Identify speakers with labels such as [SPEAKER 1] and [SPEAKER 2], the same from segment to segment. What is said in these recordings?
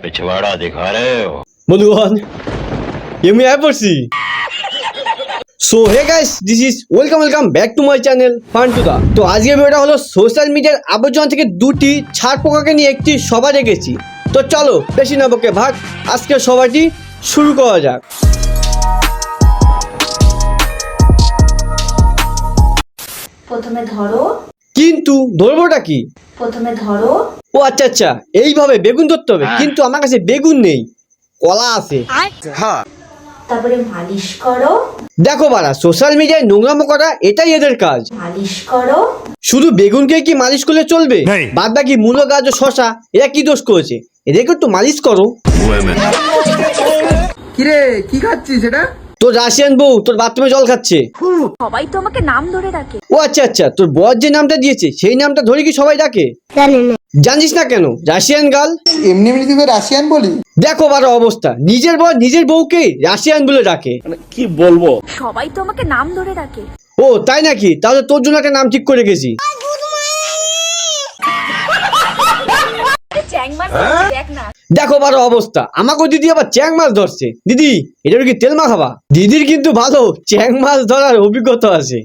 [SPEAKER 1] पिछवाड़ा दिखा रहे हो
[SPEAKER 2] বন্ধুগণ আমি আয় পড়ছি। So hey guys, this is welcome back to my channel Fantuda. তো আজকের ভিডিওটা হলো সোশ্যাল মিডিয়ার আবর্জনা থেকে দুটি ছাড় পোকাকে নিয়ে একটি সভা রেখেছি। তো চলো বেশি না বকে ভাগ, আজকের সভাটি শুরু করা যাক।
[SPEAKER 3] প্রথমে ধরো।
[SPEAKER 2] কিন্তু ধরবোটা কি?
[SPEAKER 3] প্রথমে ধরো।
[SPEAKER 2] ও আচ্ছা আচ্ছা, এইভাবে বেগুন ধরতে হবে। কিন্তু আমার কাছে বেগুন নেই, কলা আছে।
[SPEAKER 3] তারপরে মালিশ করো।
[SPEAKER 2] দেখো বাড়া, সোশ্যাল মিডিয়ায় নোংরামো করা এটাই এদের কাজ।
[SPEAKER 3] মালিশ করো।
[SPEAKER 2] শুধু বেগুনকে কি মালিশ করলে চলবে? বাদ বাকি মূলো, গাজর, শশা এরা কি দোষ করেছে? এদেরকে একটু মালিশ করো।
[SPEAKER 4] কিরে কি খাচ্ছিস সেটা?
[SPEAKER 2] তোর রাশিয়ান বউ তোর বাথরুমে জল খাচ্ছে।
[SPEAKER 3] সবাই তো আমাকে নাম ধরে ডাকে।
[SPEAKER 2] ও আচ্ছা আচ্ছা, তোর বর যে নামটা দিয়েছে সেই নামটা ধরে কি সবাই ডাকে? জানিস না কেন রাশিয়ান গার্ল?
[SPEAKER 4] এমনি এমনি তুই রাশিয়ান বলি?
[SPEAKER 2] দেখো বারো অবস্থা, নিজের বর নিজের বউকে রাশিয়ান বলে ডাকে।
[SPEAKER 3] সবাই তো আমাকে নাম ধরে ডাকে।
[SPEAKER 2] ও তাই নাকি? তাহলে তোর জন্য একটা নাম ঠিক করে রেখেছি।
[SPEAKER 3] দেখ না।
[SPEAKER 2] দেখো বারো অবস্থা, আমাকে দিদি আবার চ্যাং মাছ ধরছে। দিদি এটা কি তেল মা খাবা? দিদির কিন্তু ভালো চ্যাং মাছ ধরার অভিজ্ঞতা আছে।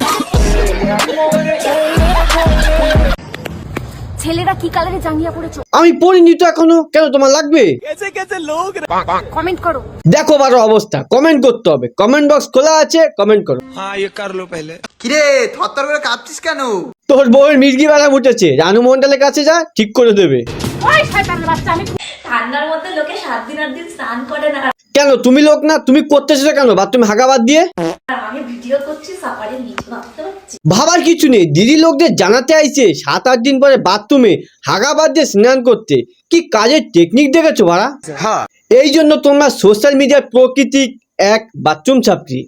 [SPEAKER 3] ছেলেরা কি কালারে জাঙ্গিয়া পড়েছো?
[SPEAKER 2] আমি পড়িনি তো এখনো, কেন তোমার লাগবে?
[SPEAKER 3] কমেন্ট করো।
[SPEAKER 2] দেখো বারো অবস্থা, কমেন্ট করতে হবে। কমেন্ট বক্স খোলা আছে, কমেন্ট করো।
[SPEAKER 4] কিরে থরথর করে কাঁপছিস কেন?
[SPEAKER 2] তোর বউয়ের মির্গি বেলা উঠেছে, রানু মন্ডলের কাছে যা, ঠিক করে দেবে।
[SPEAKER 3] ওই শয়তানের বাচ্চা, আমি ঠান্ডার মধ্যে লোকে 7 দিন 8 দিন স্নান করে না।
[SPEAKER 2] কেন তুমি লোক না? তুমি করতেছো কেন বাথরুমে হাগা বাদ দিয়ে?
[SPEAKER 3] আমি ভিডিও করছি, সাফারির নিচে ভাবতে পারছি।
[SPEAKER 2] ভাবার কিছু নেই, দিদি লোকদের জানাতে আইছে 7-8 দিন পরে বাথরুমে হাগা বাদ দিয়ে স্নান করতে। কি কাজের টেকনিক দেখেছো ভাড়া?
[SPEAKER 4] হ্যাঁ,
[SPEAKER 2] এই জন্য তোমরা সোশ্যাল মিডিয়ার প্রকৃতিক এক বাথরুম ছাত্রী।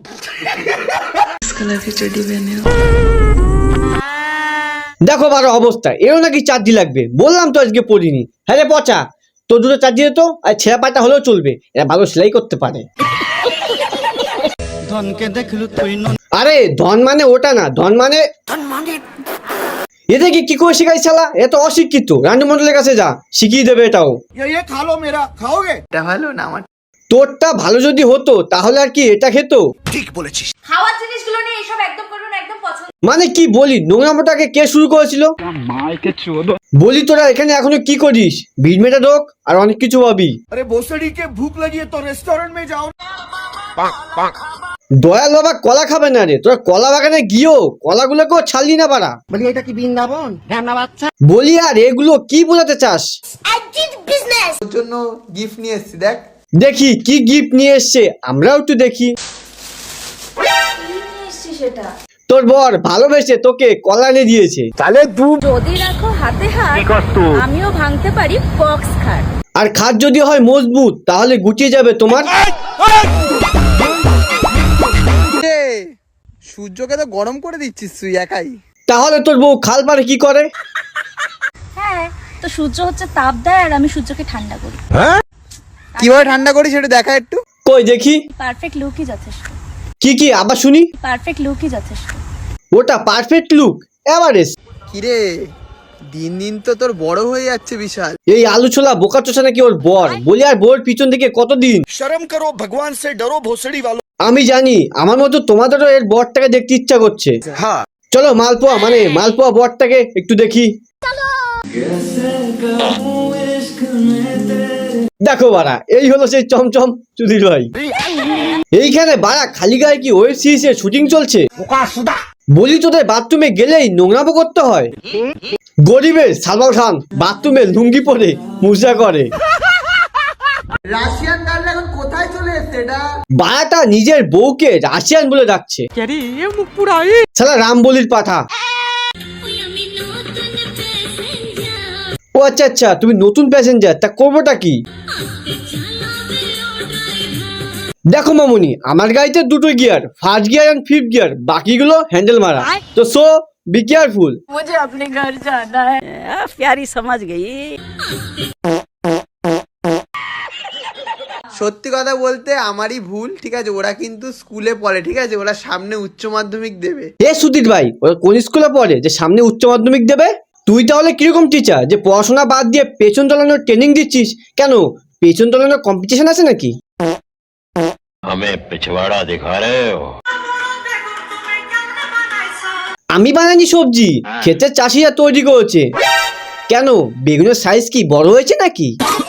[SPEAKER 2] দেখো বারো অবস্থা, এরও নাকি চার্জি লাগবে। বললাম তো আজকে পড়িনি। হ্যাঁ রে পচা, তোর দুটো চার্জি তো আর ছেঁড়া পাটা হলেও চলবে, এরা ভালো সেলাই করতে পারে। আরে ধন মানে ওটা না, ধন মানে এদেরকে কি করে শেখাই শালা? এত অশিক্ষিত। রান্ডু মন্ডলের কাছে যা, শিখিয়ে দেবে এটাও।
[SPEAKER 4] এটা ভালো না আমার?
[SPEAKER 2] তোরটা ভালো যদি হতো তাহলে আর কি এটা খেত?
[SPEAKER 3] খাওয়ার জিনিসগুলো নিয়ে এসব একদম করবে না, একদম পছন্দ।
[SPEAKER 2] মানে কি বলি, নোংরামোটাকে কে শুরু করেছিল? বলি তোরা এখানে এখনো কি করিস? ভিড় মেটা ঢোক আর অনেক কিছু ভাবি।
[SPEAKER 4] আরে ভোসড়ি কে ভুক লাগিয়ে তো রেস্টুরেন্ট মে যাও।
[SPEAKER 2] দয়াল বাবা কলা খাবে না রে, তোরা কলা বাগানে গিয়েও কলাগুলোকেও ছাড়লি না পারা।
[SPEAKER 4] বলি এটা কি বৃন্দাবন? ঢ্যামনা বাচ্চা।
[SPEAKER 2] বলি আর এগুলো কি বোঝাতে চাস?
[SPEAKER 4] তোর জন্য গিফট নিয়ে এসেছি, দেখ।
[SPEAKER 2] দেখি কি গিফট নিয়ে এসছে, আমরাও একটু দেখি।
[SPEAKER 3] কি নিয়ে এসেছি সেটা?
[SPEAKER 2] তোর বর ভালোবেসে তোকে কলা এনে দিয়েছে।
[SPEAKER 3] যদি রাখো হাতে হাত, আমিও ভাঙতে পারি বক্স খাট।
[SPEAKER 2] আর খাট যদি হয় মজবুত তাহলে গুটিয়ে যাবে তোমার।
[SPEAKER 4] সূর্যকে তো গরম করে দিচ্ছিস তুই একাই।
[SPEAKER 2] তাহলে তোর বউ খাল পারে কি করে?
[SPEAKER 3] হ্যাঁ, তো সূর্য হচ্ছে তাপ দেয় আর আমি সূর্যকে ঠান্ডা করি।
[SPEAKER 4] কিভাবে ঠান্ডা করিস সেটা দেখা একটু।
[SPEAKER 2] কই দেখি।
[SPEAKER 3] পারফেক্ট লুকই যথেষ্ট।
[SPEAKER 2] কি আবার শুনি।
[SPEAKER 3] পারফেক্ট লুকই যথেষ্ট।
[SPEAKER 2] ওটা পারফেক্ট লুক এভারেস্ট।
[SPEAKER 4] কিরে দিন দিন তো তোর বড় হয়ে যাচ্ছে বিশাল।
[SPEAKER 2] এই আলু ছোলা বোকা চোষা নাকি ওর বর? বলি আর বোর পিছন থেকে কতদিন।
[SPEAKER 5] शर्म करो भगवान से डरो भोसड़ी वालों।
[SPEAKER 2] আমি জানি আমার মতো তোমাদেরও এর বরটাকে দেখতে ইচ্ছা করছে।
[SPEAKER 4] হ্যাঁ,
[SPEAKER 2] চলো মালপোয়া মানে মালপোয়া বরটাকে একটু দেখি। দেখো বাড়া, এই হলো সেই চমচম চুদির ভাই। এইখানে বাড়া খালি গায়ে কি ওয়েব সিরিজের শুটিং চলছে? বলি তোদের বাথরুমে গেলেই নোংরামো করতে হয়? গরিবের সালমান খান বাথরুমে লুঙ্গি পরে মুজা করে।
[SPEAKER 4] রাশিয়ান গার্ল এখন কোথায় চলে এসছে এটা?
[SPEAKER 2] বাড়াটা নিজের বউকে রাশিয়ান বলে ডাকছে। শালা রামবলির পাঠা। ও আচ্ছা আচ্ছা, তুমি নতুন প্যাসেঞ্জার, তা করবোটা কি? দেখো মামুনি, আমার গাড়িতে দুটো gear, first gear and fifth gear, বাকিগুলো হ্যান্ডেল মারা। তো সো বি কেয়ারফুল।
[SPEAKER 3] मुझे अपने घर जाना है। प्यारी समझ गई।
[SPEAKER 4] সত্যি কথা বলতে আমারই ভুল, ঠিক আছে? ওরা কিন্তু স্কুলে পড়ে, ঠিক আছে? ওরা সামনে উচ্চ মাধ্যমিক দেবে।
[SPEAKER 2] এ সুধীর ভাই, ওরা কোন স্কুলে পড়ে যে সামনে উচ্চ মাধ্যমিক দেবে? তুই তাহলে কিরকম টিচার যে পড়াশোনা বাদ দিয়ে পেছন চালানোর ট্রেনিং দিচ্ছিস? কেন পেছন চালানোর কম্পিটিশন আছে নাকি?
[SPEAKER 1] हमें पिछवाड़ा दिखा रहे हो।
[SPEAKER 2] আমি বানাইনি সবজি, ক্ষেতের চাষিরা তৈরি করেছে। কেন বেগুনের সাইজ কি বড় হয়েছে নাকি?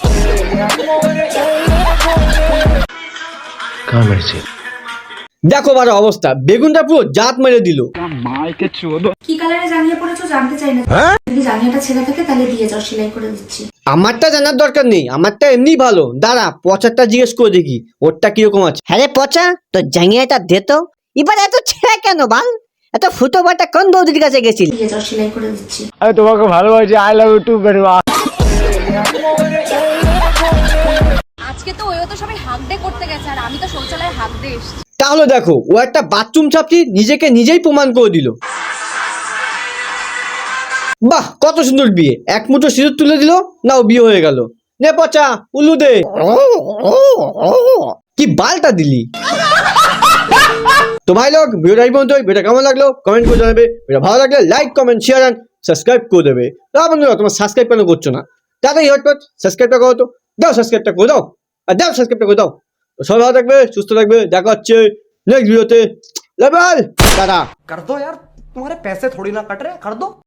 [SPEAKER 2] দেখো বারো অবস্থা, বেগুনটা পুরো জাত মেরে দিল।
[SPEAKER 6] কি কালারে জাঙ্গিয়া পরেছো জানতে চাই না। যদি জাঙ্গিয়াটা ছেঁড়া থাকে তাহলে দিয়ে যাও, সেলাই করে দিচ্ছি।
[SPEAKER 2] আমারটা জানার দরকার নেই, আমারটা এমনি ভালো। দাঁড়া পচারটা জিজ্ঞেস করে দেখি ওরটা কিরকম আছে।
[SPEAKER 7] হ্যাঁ রে পচা, তো জাঙ্গিয়াটা দে তো। এবার এত ছেঁড়া কেন বাল? এত ফুটো বাটা কোন বৌদির কাছে গেছিলি?
[SPEAKER 6] দিয়ে যাও, সেলাই করে দিচ্ছি।
[SPEAKER 3] আজকে তো ওইও তো সবাই হাঁক ডে করতে গেছে আর আমি তো শৌচালয়ে হাঁক ডে এসেছি।
[SPEAKER 2] তাহলে দেখো ও একটা বাথরুম ছাপড়ি নিজেকে নিজেই প্রমাণ করে দিল। বাহ কত সুন্দর বিয়ে, এক মুঠো সিঁদুর তুলে দিল, নাও বিয়ে হয়ে গেল। নে পচা উল্লু দে। কি বালটা দিলি। তো ভাই লোক ভিডিওটা এই পর্যন্ত। ভিডিওটা কেমন লাগলো কমেন্ট করে জানাবে। ভিডিও ভালো লাগলে like comment share and subscribe করে দেবে। বন্ধুরা তোমার সাবস্ক্রাইব কেন করছো না? তাড়াতাড়ি হটপট সাবস্ক্রাইবটা করো তো, দাও সাবস্ক্রাইবটা করে দাও, আর দাও সাবস্ক্রাইবটা করে দাও। তো সবাই ভালো থাকবে, সুস্থ থাকবে, দেখা হচ্ছে নেক্সট ভিডিওতে। Level tata.
[SPEAKER 8] कर दो यार, तुम्हारे पैसे थोड़ी ना कट रहे, कर दो।